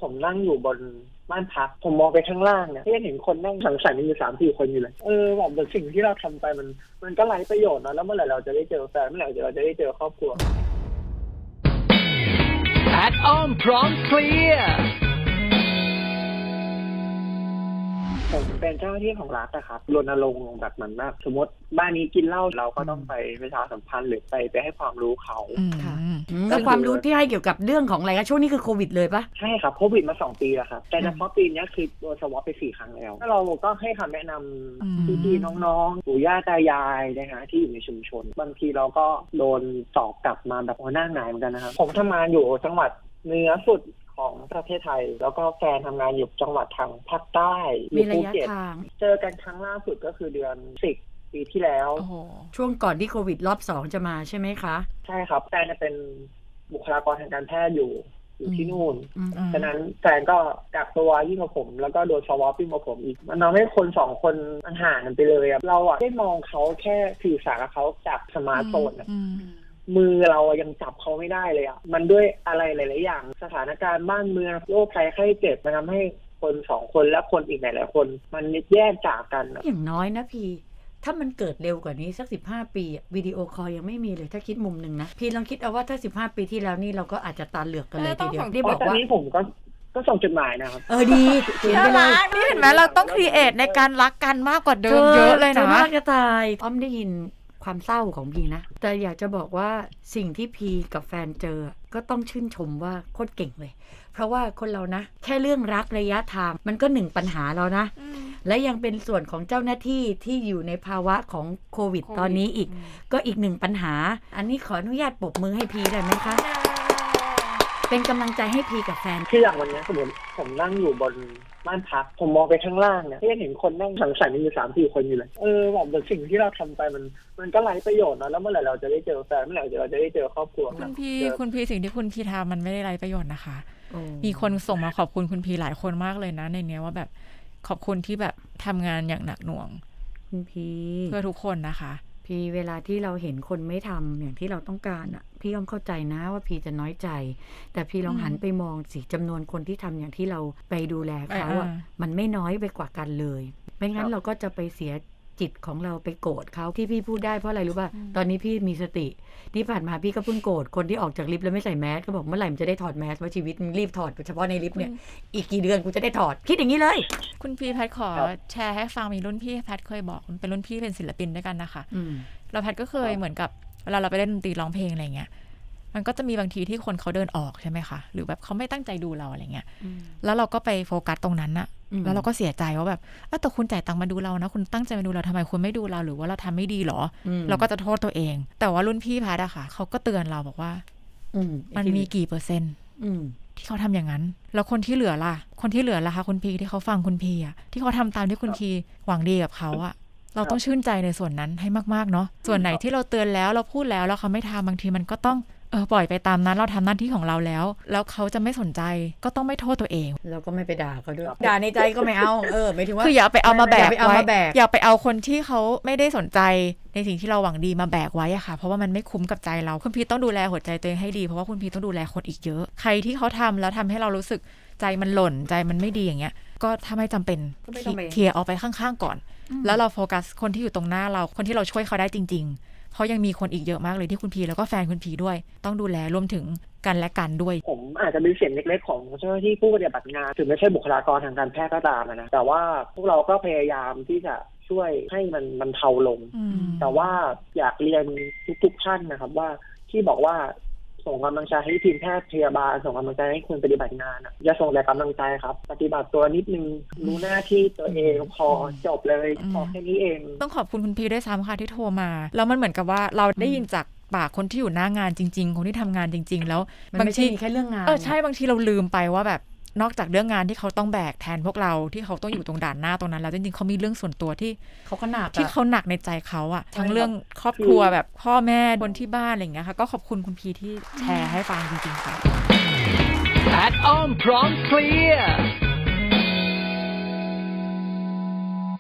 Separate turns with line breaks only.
ผมนั่งอยู่บนบ้านพักผมมองไปข้างล่างเนี่ยก็ยังเห็นคนนั่งสังสรรค์กันอยู่3-4 คนอยู่เลยแบบสิ่งที่เราทำไปมันก็ไร้ประโยชน์นะแล้วเมื่อไหร่เราจะได้เจอแฟนเมื่อไหร่เราจะได้เจอครอบครัว
แพทอ้อมพร้อมเคลียร์
ผมเป็นเจ้าหน้าที่ของรัฐนะครับรณรงค์แบบเหมือนแบบสมมติบ้านนี้กินเหล้าเราก็ต้องไปประชาสัมพันธ์หรือไปให้ความรู้เขา
แล้วความรู้ที่ให้เกี่ยวกับเรื่องของอะไรคะช่วงนี้คือโควิดเลยปะ
ใช่ครับโควิดมา2 ปีแล้วครับแต่เฉพาะปีนี้คือโดนสวอปไป4 ครั้งแล้วเราก็ให้คำแนะนำพี่ๆน้องๆปู่ย่าตายายนะฮะที่อยู่ในชุมชนบางทีเราก็โดนสอบกลับมาแบบหัวหน้าหงายเหมือนกันนะครับผมทำงานอยู่จังหวัดเหนือสุดของประเทศไทยแล้วก็แฟนทำงานอยู่จังหวัดทางภาคใต้
มีระยะทาง
เจอกันครั้งล่าสุดก็คือเดือน10 ปีที่แล้ว
ช่วงก่อนที่โควิดรอบ2จะมาใช่ไหมคะ
ใช่ครับแฟนเป็นบุคลากรทางการแพทย์อยู่ที่นู่นฉะนั้นแฟนก็กักตัวยิ่งกว่าผมแล้วก็โดนสวอปยิ่งกว่าผมอีกมันทำให้คน2 คนมันห่างกันไปเลยเราได้มองเขาแค่สื่อสารกับเขาจากสมาร์ทโฟนมือเรายังจับเขาไม่ได้เลยมันด้วยอะไรหลายๆอย่างสถานการณ์บ้านเมืองโรคภัยไข้เจ็บมันทำให้คน2 คนและคนอีกหลายๆคนมันแยกจากกัน
อย่างน้อยนะพี่ถ้ามันเกิดเร็วกว่านี้สัก15 ปีวิดีโอคอลยังไม่มีเลยถ้าคิดมุมนึงนะพี่ลองคิดเอาว่าถ้า15 ปีที่แล้วนี่เราก็อาจจะตาเหลือกกันเลยทีเดียว
ที่บอกว่าตอนนี้ผมก็ส่งจดหมายนะครับ
ดี
เขียนไปเลยนี่เห็นไหมเราต้องครีเอทในการรักกันมากกว่าเดิมเยอะเลยนะ
มากจะตายอ้อมได้ยินความเศร้าของพีนะแต่อยากจะบอกว่าสิ่งที่พีกับแฟนเจอก็ต้องชื่นชมว่าโคตรเก่งเลยเพราะว่าคนเรานะแค่เรื่องรักระยะทางมันก็1 ปัญหาแล้วนะและยังเป็นส่วนของเจ้าหน้าที่ที่อยู่ในภาวะของโควิดตอนนี้อีกก็อีก1 ปัญหาอันนี้ขออนุญาตปรบมือให้พีได้ไหมคะเป็นกำลังใจให้พีกับแฟน
คืออย่างวันนี้สมมติผมนั่งอยู่บนบ้านพักผมมองไปข้างล่างเนี่ยก็ยังเห็นคนนั่งสังสรรค์กันอยู่3-4 คนอยู่เลยแบบสิ่งที่เราทำไปมันก็ไร้ประโยชน์นะแล้วเมื่อไหร่เราจะได้เจอแฟนเมื่อไหร่เราจะได้เจอครอบครัว
คุณพี่สิ่งที่คุณพี่ทำมันไม่ได้ไร้ประโยชน์นะคะมีคนส่งมาขอบคุณคุณพี่หลายคนมากเลยนะในเนี้ยว่าแบบขอบคุณที่แบบทำงานอย่างหนักหน่วง
คุณพี่
เพื่อทุกคนนะคะ
พี่เวลาที่เราเห็นคนไม่ทำอย่างที่เราต้องการอ่ะพี่ยอมเข้าใจนะว่าพี่จะน้อยใจแต่พี่ลองหันไปมองสิจำนวนคนที่ทำอย่างที่เราไปดูแลเขาอ่ะมันไม่น้อยไปกว่ากันเลยไม่งั้นเราก็จะไปเสียจิตของเราไปโกรธเขาที่พี่พูดได้เพราะอะไรรู้ป่ะตอนนี้พี่มีสติที่ผ่านมาพี่ก็เพิ่งโกรธคนที่ออกจากลิฟต์แล้วไม่ใส่แมสก็บอกเมื่อไหร่มันจะได้ถอดแมสว่าชีวิตรีบถอดเฉพาะในลิฟต์เนี่ยอีกกี่เดือนกูจะได้ถอดคิดอย่างนี้เลย
คุณพี่แพทขอแชร์ให้ฟังมีรุ่นพี่แพทเคยบอกเป็นรุ่นพี่เป็นศิลปินด้วยกันนะคะเราแพทก็เคยเหมือนกับเวลาเราไปเล่นดนตรีร้องเพลงอะไรเงี้ยมันก็จะมีบางทีที่คนเขาเดินออกใช่ไหมคะหรือแบบเขาไม่ตั้งใจดูเราอะไรเงี้ยแล้วเราก็ไปโฟกัสตรงนั้นอะแล้วเราก็เสียใจว่าแบบแต่คุณจ่ายตังค์มาดูเรานะคุณตั้งใจมาดูเราทำไมคุณไม่ดูเราหรือว่าเราทำไม่ดีหรอเราก็จะโทษตัวเองแต่ว่ารุ่นพี่แพทอะค่ะเขาก็เตือนเราบอกว่ามันมีกี่%ที่เขาทำอย่างนั้นแล้วคนที่เหลือล่ะคะคุณพีที่เขาฟังคุณพีอะที่เขาทำตามที่คุณพีหวังดีกับเขาอะเราต้องชื่นใจในส่วนนั้นให้มากๆเนาะส่วนไหนที่เราเตือนแล้วเราพูดแล้วเขาไม่ทำบางทีมันก็ต้องปล่อยไปตามนั้นเราทำหน้าที่ของเราแล้วเขาจะไม่สนใจก็ต้องไม่โทษตัวเอง
เราก็ไม่ไปด่าเขาด้วยด่าในใจก็ไม่เอาหมายถึงว่า
คืออย่าไปเอามาแบกไว้อย่าไปเอาคนที่เขาไม่ได้สนใจในสิ่งที่เราหวังดีมาแบกไว้อะค่ะเพราะว่ามันไม่คุ้มกับใจเราคุณพีต้องดูแลหัวใจตัวเองให้ดีเพราะว่าคุณพีต้องดูแลคนอีกเยอะใครที่เขาทำแล้วทำให้เรารู้สึกใจมันหล่นใจมันไม่ดีอย่างเงี้ยก็ถ้าไม่จำเป็นเคลียร์เอาไปข้างๆก่อนแล้วเราโฟกัสคนที่อยู่ตรงหน้าเราคนที่เราช่วยเขาได้จริงๆเพราะยังมีคนอีกเยอะมากเลยที่คุณพีแล้วก็แฟนคุณพีด้วยต้องดูแลรวมถึงกันและกันด้วย
ผมอาจจะเป็นเสียงเล็กๆของเจ้าหน้าที่ผู้ปฏิบัติงานถึงไม่ใช่บุคลากรทางการแพทย์ก็ตามนะแต่ว่าพวกเราก็พยายามที่จะช่วยให้มันเทาลงแต่ว่าอยากเรียนทุกๆท่านนะครับว่าที่บอกว่าส่งกำลังใจให้ทีมแพทย์พยาบาลส่งกำลังใจให้คนปฏิบัติงานอย่าส่งแต่กำลังใจครับปฏิบัติตัวนิดนึงรู้หน้าที่ตัวเองพอจบเลยพอแค่นี้เอง
ต้องขอบคุณคุณพีด้วยซ้ำค่ะที่โทรมาแล้วมันเหมือนกับว่าเราได้ยินจากปากคนที่อยู่หน้างานจริงๆคนที่ทำงานจริงๆแล้ว
บางทีแค่เรื่องงาน
ใช่บางทีเราลืมไปว่าแบบนอกจากเรื่องงานที่เขาต้องแบกแทนพวกเราที่เขาต้องอยู่ตรงด่านหน้าตรงนั้นแล้วจริงๆเขามีเรื่องส่วนตัวที่
เขาก็หนัก
ที่เขาหนักในใจเขาอะทั้งเรื่องครอบครัวแบบพ่อแม่คนที่บ้านอะไรอย่างเงี้ยค่ะก็ขอบคุณคุณพีที่แชร์ให้ฟังจริงๆค่ะ
แพทอ้อมพร้อมเคลียร์